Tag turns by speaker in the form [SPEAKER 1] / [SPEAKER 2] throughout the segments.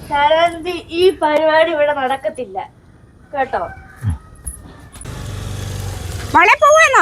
[SPEAKER 1] ശാരദാന്റി ഈ പരിപാടി ഇവിടെ നടക്കത്തില്ല കേട്ടോ.
[SPEAKER 2] മോളെ പോവാന്നോ?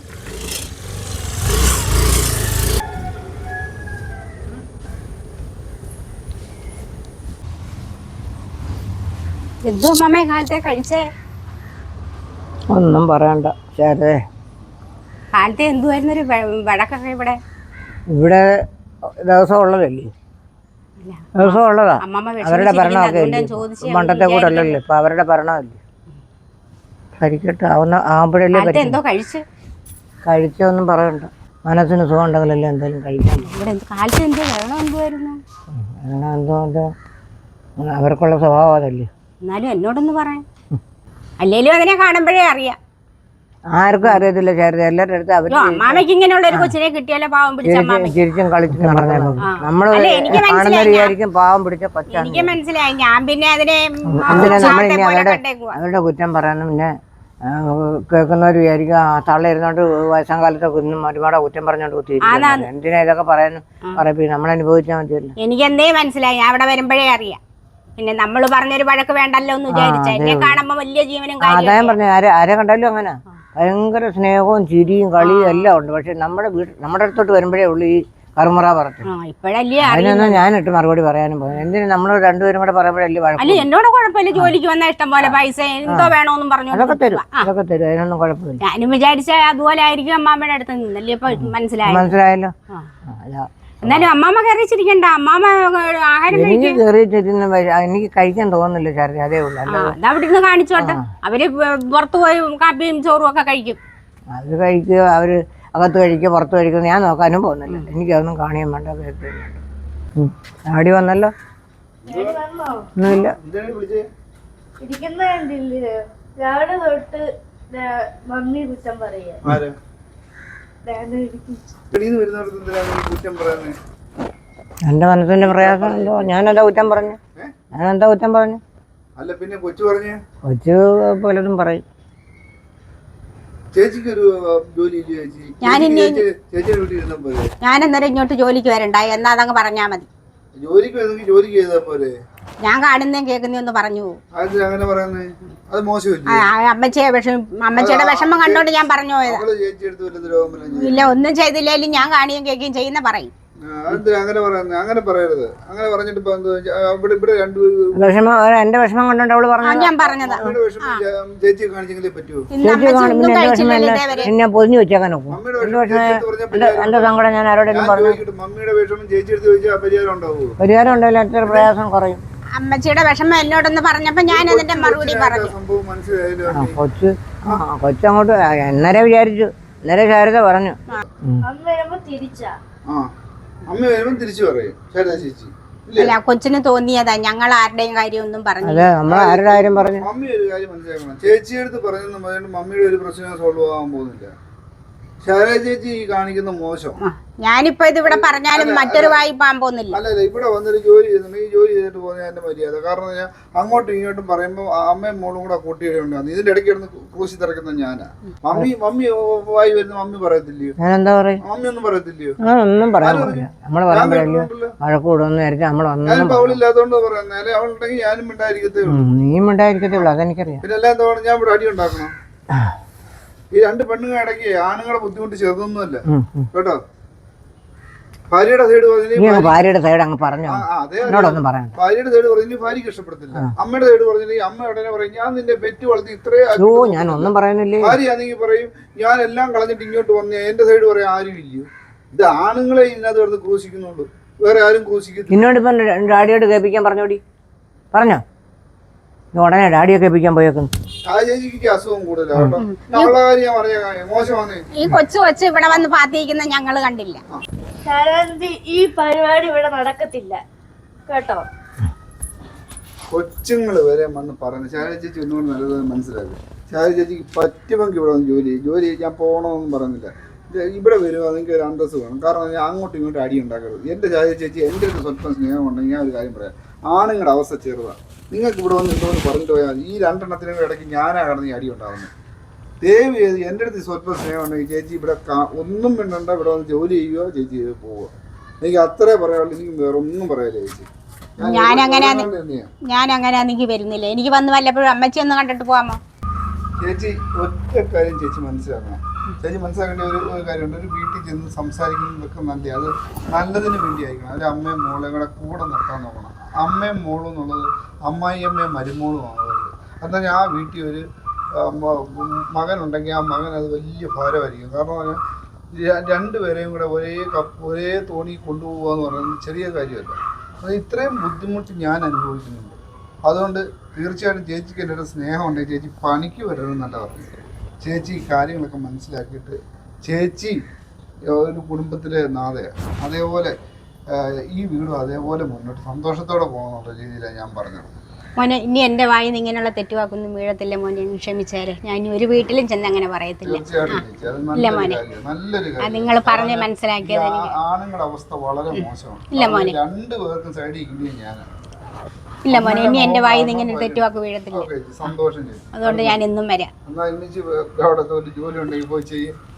[SPEAKER 2] എന്തോ അമ്മേ കാലത്തെ കഴിച്ചേ?
[SPEAKER 3] ഒന്നും പറയണ്ട ശാരദേ.
[SPEAKER 2] കാലത്തെ എന്തുവായിരുന്നൊരു വഴക്കൊക്കെ ഇവിടെ?
[SPEAKER 3] ഇവിടെ ദിവസം ഉള്ളതല്ലേ, ദിവസം ഉള്ളതാ. അവരുടെ ഭരണമൊക്കെ പണ്ടത്തെ കൂടെ അല്ലല്ലോ ഇപ്പൊ, അവരുടെ ഭരണമല്ലേ. കഴിക്കട്ടെ, ആവുമ്പോഴല്ലേ
[SPEAKER 2] എന്തോ
[SPEAKER 3] കഴിച്ചൊന്നും പറയണ്ട. മനസ്സിന് സുഖം ഉണ്ടെങ്കിലല്ലേ എന്തായാലും കഴിക്കാൻ.
[SPEAKER 2] കാലത്ത് എന്തോ വെള്ളം എന്തുവായിരുന്നു?
[SPEAKER 3] എന്തോ അവർക്കുള്ള സ്വഭാവം അതല്ലേ.
[SPEAKER 2] എന്നാലും എന്നോടൊന്ന് പറയാൻ, അല്ലേലും അതിനെ കാണുമ്പോഴേ അറിയാം.
[SPEAKER 3] ആർക്കും അറിയത്തില്ല ശാരദ, എല്ലാവരുടെ അടുത്ത് അവർ
[SPEAKER 2] അമ്മാമയ്ക്ക് ഇങ്ങനെയുള്ള ഒരു കൊച്ചിനെ കിട്ടിയാലോ പാവം പിടിച്ച
[SPEAKER 3] ചിരിച്ചും കളിച്ചും പറഞ്ഞാൽ നമ്മള് കാണുന്ന വിചാരിക്കും പാവം പിടിച്ച കൊച്ചാണ്.
[SPEAKER 2] എനിക്ക് മനസ്സിലായി. ഞാൻ പിന്നെ അതിനെ
[SPEAKER 3] അവരുടെ കുറ്റം പറയാനും പിന്നെ കേൾക്കുന്നവർ വിചാരിക്കും തള്ള ഇരുന്നോണ്ട് വയസ്സാം കാലത്തെ കുന്നും ഒരുപാട് കുറ്റം പറഞ്ഞോണ്ട് കുത്തിയിരിക്കും. എന്തിനാ ഇതൊക്കെ പറയാനും പറയും, നമ്മൾ അനുഭവിച്ചാൽ മതിയല്ലോ.
[SPEAKER 2] എനിക്ക് എന്തേ മനസ്സിലായി, ഞാൻ അവിടെ വരുമ്പോഴേ അറിയാം. പിന്നെ നമ്മള് പറഞ്ഞൊരു വഴക്ക് വേണ്ടല്ലോ എന്ന് വിചാരിച്ച എന്നെ കാണുമ്പോ വലിയ ജീവനും
[SPEAKER 3] അതായത് പറഞ്ഞു ആരെ കണ്ടാലും അങ്ങനെ ഭയങ്കര സ്നേഹവും ചിരിയും കളിയും എല്ലാം ഉണ്ട്. പക്ഷെ നമ്മുടെ അടുത്തോട്ട് വരുമ്പോഴേ ഉള്ളൂ ഈ കറുമുറ പറഞ്ഞു. അതിനൊന്നും ഞാനിട്ട് മറുപടി പറയാനും പോകും. എന്തിനും നമ്മൾ രണ്ടുപേരും കൂടെ പറയുമ്പോഴല്ലേ വഴക്ക്.
[SPEAKER 2] എന്നോട് കുഴപ്പമില്ല, ജോലിക്ക് വന്ന ഇഷ്ടം പോലെ പൈസ എന്തോ വേണോന്നും പറഞ്ഞു
[SPEAKER 3] അതൊക്കെ തരും, അതിനൊന്നും കുഴപ്പമില്ല.
[SPEAKER 2] ഞാനും വിചാരിച്ച അതുപോലെ ആയിരിക്കും അമ്മാമ്മയുടെ അടുത്ത് നിന്നല്ലേ ഇപ്പൊ
[SPEAKER 3] മനസ്സിലായല്ലോ.
[SPEAKER 2] എന്നാലും അമ്മാമ്മ കയറിച്ചിരിക്കണ്ട, അമ്മാമ്മ ആഹാരം
[SPEAKER 3] എനിക്ക് കഴിക്കാൻ തോന്നുന്നില്ല ശാരദ, അതേ ഉള്ളൂ.
[SPEAKER 2] അവിടെ ഇരുന്ന് കാണിച്ചോട്ടെ, അവര് പുറത്തു പോയി കാപ്പിയും ചോറും ഒക്കെ കഴിക്കും.
[SPEAKER 3] അത് കഴിക്കുക, അവര് അകത്ത് കഴിക്കുക പുറത്ത് കഴിക്കുക, ഞാൻ നോക്കാനും പോകുന്നില്ല. എനിക്കതൊന്നും കാണിയാൻ വേണ്ട. ആടി വന്നല്ലോ, ഒന്നുമില്ല.
[SPEAKER 1] രാവിലെ തൊട്ട് മമ്മി കുറ്റം പറയാ.
[SPEAKER 3] എന്റെ മനസ്സിന്റെ പ്രയാസം എന്തോ, ഞാനെന്താ കുറ്റം പറഞ്ഞു?
[SPEAKER 4] അല്ല പിന്നെ കൊച്ചു പറഞ്ഞു,
[SPEAKER 3] കൊച്ചു പലതും പറയും.
[SPEAKER 2] ഞാൻ അന്നേരം ഇങ്ങോട്ട് ജോലിക്ക് വരണ്ടായി എന്നാ അതങ്ങ് പറഞ്ഞാ മതി. ഞാൻ കാണുന്നേം കേൾക്കുന്നേ ഒന്ന് പറഞ്ഞു. അമ്മച്ചിയുടെ വിഷമം കണ്ടോണ്ട് ഞാൻ പറഞ്ഞു പോയതാ. ഇല്ല, ഒന്നും ചെയ്തില്ലേലും ഞാൻ കാണുകയും കേൾക്കുകയും ചെയ്യുന്ന പറയും.
[SPEAKER 4] അങ്ങനെ പറയരുത്. അങ്ങനെ പറഞ്ഞിട്ട്
[SPEAKER 3] എന്റെ വിഷമം കൊണ്ടോണ്ട് അവള് പറഞ്ഞു.
[SPEAKER 2] ഞാൻ പറഞ്ഞതാ
[SPEAKER 4] ചേച്ചിയെ കാണിച്ചെങ്കിലേ പറ്റുമോ?
[SPEAKER 3] ഞാൻ പൊതിഞ്ഞു വെച്ചേക്കാൻ നോക്കും. എന്റെ സങ്കടം ഞാൻ ആരോടെങ്കിലും പറഞ്ഞു.
[SPEAKER 4] മമ്മിയുടെ വിഷമം ചേച്ചി എടുത്ത് ചോദിച്ചാൽ പരിഹാരം ഉണ്ടാവുമോ?
[SPEAKER 3] പരിഹാരം ഉണ്ടാവില്ല, എത്ര പ്രയാസം കുറയും.
[SPEAKER 2] അമ്മച്ചിയുടെ വിഷമം എന്നോടൊന്ന് പറഞ്ഞപ്പോ ഞാൻ അതിന്റെ മറുപടി പറഞ്ഞു.
[SPEAKER 3] കൊച്ചങ്ങോട്ട് എന്നരെ വിചാരിച്ചു, എന്നരെ ശാരദ പറഞ്ഞു.
[SPEAKER 4] അമ്മ വരുമ്പോ തിരിച്ചു പറയും ശാരദ ചേച്ചി.
[SPEAKER 2] അല്ല, കൊച്ചിന് തോന്നിയതാ, ഞങ്ങൾ ആരുടെയും കാര്യം ഒന്നും പറഞ്ഞു.
[SPEAKER 3] ആരുടെ കാര്യം പറഞ്ഞു?
[SPEAKER 4] മമ്മി ഒരു കാര്യം മനസ്സിലാക്കണം, ചേച്ചിയുടെ അടുത്ത് പറഞ്ഞെന്ന് പറഞ്ഞിട്ട് മമ്മിയുടെ ഒരു പ്രശ്നം സോൾവ് ആവാൻ പോകുന്നില്ല. ശാരദ ചേച്ചി ഈ കാണിക്കുന്ന മോശം.
[SPEAKER 2] ഞാനിപ്പോ ഇത് ഇവിടെ പറഞ്ഞാലും മറ്റൊരു വായി പാൻ പോകുന്നില്ല.
[SPEAKER 4] അല്ലല്ല, ഇവിടെ വന്നൊരു ജോലി ചെയ്യുന്നുണ്ടെങ്കിൽ ഈ ജോലി ചെയ്തിട്ട് പോകുന്ന എന്റെ മര്യാദ. കാരണം ഞാൻ അങ്ങോട്ടും ഇങ്ങോട്ടും പറയുമ്പോൾ അമ്മയും മോളും കൂടെ കൂട്ടിയിടുണ്ടാകും. ഇതിന്റെ ഇടയ്ക്ക് കിടന്ന് ക്രൂശി തിറക്കുന്ന ഞാനാ. മമ്മി വായി വരുന്ന മമ്മി പറയത്തില്ലയോ? മമ്മി ഒന്നും പറയത്തില്ലയോ?
[SPEAKER 3] ഞാനിപ്പോ
[SPEAKER 4] അവളില്ലാത്തോണ്ട് പറയുന്നത്, അവളുണ്ടെങ്കിൽ ഞാനും മിണ്ടായിരിക്കത്തേ ഉള്ളൂ. പിന്നെ എല്ലാം എന്താ ഞാൻ ഇവിടെ അടി ഉണ്ടാക്കണം? ഈ രണ്ട് പെണ്ണുങ്ങൾ ഇടയ്ക്ക് ആണുങ്ങളെ ബുദ്ധിമുട്ട് ചെറുതൊന്നുമല്ല കേട്ടോ. ഭാര്യയുടെ സൈഡ് പറഞ്ഞു, ഭാര്യയുടെ സൈഡ് പറഞ്ഞു ഭാര്യക്ക് ഇഷ്ടപ്പെടത്തില്ല. അമ്മയുടെ സൈഡ് പറഞ്ഞില്ലെങ്കിൽ അമ്മ ഉടനെ പറയും ഞാൻ നിന്റെ പെറ്റ് വളർത്തി
[SPEAKER 3] ഞാനൊന്നും പറയുന്നില്ലേ.
[SPEAKER 4] ഭാര്യയാണെങ്കിൽ പറയും ഞാൻ എല്ലാം കളഞ്ഞിട്ട് ഇങ്ങോട്ട് വന്നേ. എന്റെ സൈഡ് പറയാൻ ആരും ഇല്ലയോ? ഇത് ആണുങ്ങളെ ഇതിനകത്ത് കിടന്ന് ക്രൂശിക്കുന്നുള്ളൂ, വേറെ ആരും ക്രൂശിക്കുന്നു.
[SPEAKER 3] നിന്നോടിപ്പം ഡാഡിയോട് കേൾപ്പിക്കാൻ പറഞ്ഞോടി, പറഞ്ഞോ? ഉടനെ ഡാഡിയെ കേൾപ്പിക്കാൻ പോയേക്കുന്നു.
[SPEAKER 4] അസുഖം കൂടുതലാണ്.
[SPEAKER 2] ഈ കൊച്ചു ഇവിടെ വന്ന് പാത്തിരിക്കുന്ന ഞങ്ങള് കണ്ടില്ല.
[SPEAKER 1] ശാരദാന്റി ഈ പരിപാടി ഇവിടെ നടക്കത്തില്ല കേട്ടോ.
[SPEAKER 4] കൊച്ചുങ്ങള് വരെ വന്ന് പറഞ്ഞു. ശാരദ ചേച്ചി ഒന്നുകൂടി നല്ലത് മനസ്സിലാക്കി. ശാരദ ചേച്ചിക്ക് പറ്റുമെങ്കിൽ ഇവിടെ വന്ന് ജോലി ഞാൻ പോകണമെന്നും പറഞ്ഞില്ല. ഇവിടെ വരുക നിങ്ങൾക്ക് ഒരു അന്തസ് വേണം. കാരണം ഞാൻ അങ്ങോട്ടും ഇങ്ങോട്ടും അടി ഉണ്ടാക്കരുത്. എൻ്റെ ശാരദ ചേച്ചി എൻ്റെ അടുത്ത് സ്വല്പം സ്നേഹം ഉണ്ടെങ്കിൽ ഞാൻ ഒരു കാര്യം പറയാം, ആണുങ്ങളുടെ അവസ്ഥ ചെറുതാണ്. നിങ്ങൾക്ക് ഇവിടെ വന്ന് എന്തോന്ന് പറഞ്ഞിട്ട് പോയാൽ ഈ രണ്ടെണ്ണത്തിനും ഇടയ്ക്ക് ഞാനാ കടന്ന് ഈ അടി ഉണ്ടാകുന്നത്. ദയവ് ചെയ്ത് എൻ്റെ അടുത്ത് സ്വല്പം സ്നേഹം ഉണ്ടെങ്കിൽ ചേച്ചി ഇവിടെ ഒന്നും വേണ്ട, ഇവിടെ വന്ന് ജോലി ചെയ്യുകയോ ചേച്ചി ചെയ്ത് പോവുക. എനിക്ക് അത്രേ പറയാനുള്ളൂ. എനിക്ക് വേറെ ഒന്നും പറയാനില്ല ചേച്ചി.
[SPEAKER 2] ഞാനങ്ങനെ എനിക്ക് വരുന്നില്ല. എനിക്ക് വന്ന് വല്ലപ്പോഴും അമ്മച്ചി ഒന്ന് കണ്ടിട്ട് പോവാമോ?
[SPEAKER 4] ചേച്ചി ഒറ്റ കാര്യം ചേച്ചി മനസ്സിലാക്കണം. ചേച്ചി മനസ്സിലാക്കേണ്ട ഒരു കാര്യമുണ്ട്. ഒരു വീട്ടിൽ ചെന്ന് സംസാരിക്കുന്നതൊക്കെ നല്ല, അത് നല്ലതിന് വേണ്ടി ആയിരിക്കണം. ഒരു അമ്മയും മോളെയും കൂടെ നിർത്താൻ നോക്കണം. അമ്മയും മോളും എന്നുള്ളത് അമ്മായിയമ്മയും മരുമോളും ആകരുത്. എന്നാൽ ആ വീട്ടിൽ ഒരു മകനുണ്ടെങ്കിൽ ആ മകൻ അത് വലിയ ഭാരമായിരിക്കും. കാരണം രണ്ടുപേരെയും കൂടെ ഒരേ തോണി കൊണ്ടുപോകുക എന്ന് പറയുന്നത് ചെറിയ കാര്യമല്ല. അത് ഇത്രയും ബുദ്ധിമുട്ട് ഞാൻ അനുഭവിക്കുന്നുണ്ട്. അതുകൊണ്ട് തീർച്ചയായിട്ടും ചേച്ചിക്ക് എൻ്റെ ഒരു സ്നേഹം ഉണ്ടെങ്കിൽ ചേച്ചി പണിക്ക് വരരുതെന്നല്ല പറഞ്ഞത്. ചേച്ചി കാര്യങ്ങളൊക്കെ മനസ്സിലാക്കിയിട്ട് ചേച്ചി ഒരു കുടുംബത്തിലെ നാഥയാണ്. അതേപോലെ ഈ വീടും അതേപോലെ മുന്നോട്ട് സന്തോഷത്തോടെ പോകണമെന്നുള്ള രീതിയിലാണ് ഞാൻ പറഞ്ഞത്.
[SPEAKER 2] മോനെ, ഇനി എൻ്റെ വായിൽ നിന്ന് ഇങ്ങനെയുള്ള തെറ്റുവാക്കൊന്നും വീഴത്തില്ല മോനെ, ക്ഷമിച്ചേരെ. ഞാൻ ഇനി ഒരു വീട്ടിലും ചെന്ന് അങ്ങനെ പറയത്തില്ല. ഇല്ല മോനെ, നിങ്ങൾ പറഞ്ഞ് മനസ്സിലാക്കിയത് എനിക്ക്.
[SPEAKER 4] ആണുങ്ങളുടെ അവസ്ഥ വളരെ മോശമാണ്.
[SPEAKER 2] ഇല്ല മോനെ,
[SPEAKER 4] രണ്ടുപേർക്കും സൈഡിൽ ഇരിക്കുകയും ഞാൻ.
[SPEAKER 2] ഇല്ല മോനെ, ഇനി എൻ്റെ വായിൽ നിന്ന് ഇങ്ങനെ തെറ്റുവാക്ക് വീഴത്തില്ല.
[SPEAKER 4] സന്തോഷം.
[SPEAKER 2] അതുകൊണ്ട് ഞാൻ എന്നും വരാം.
[SPEAKER 4] എന്നാൽ ഇന്നിച്ച് അവിടെ ജോലി ഉണ്ടെങ്കിൽ പോയി ചെയ്യും.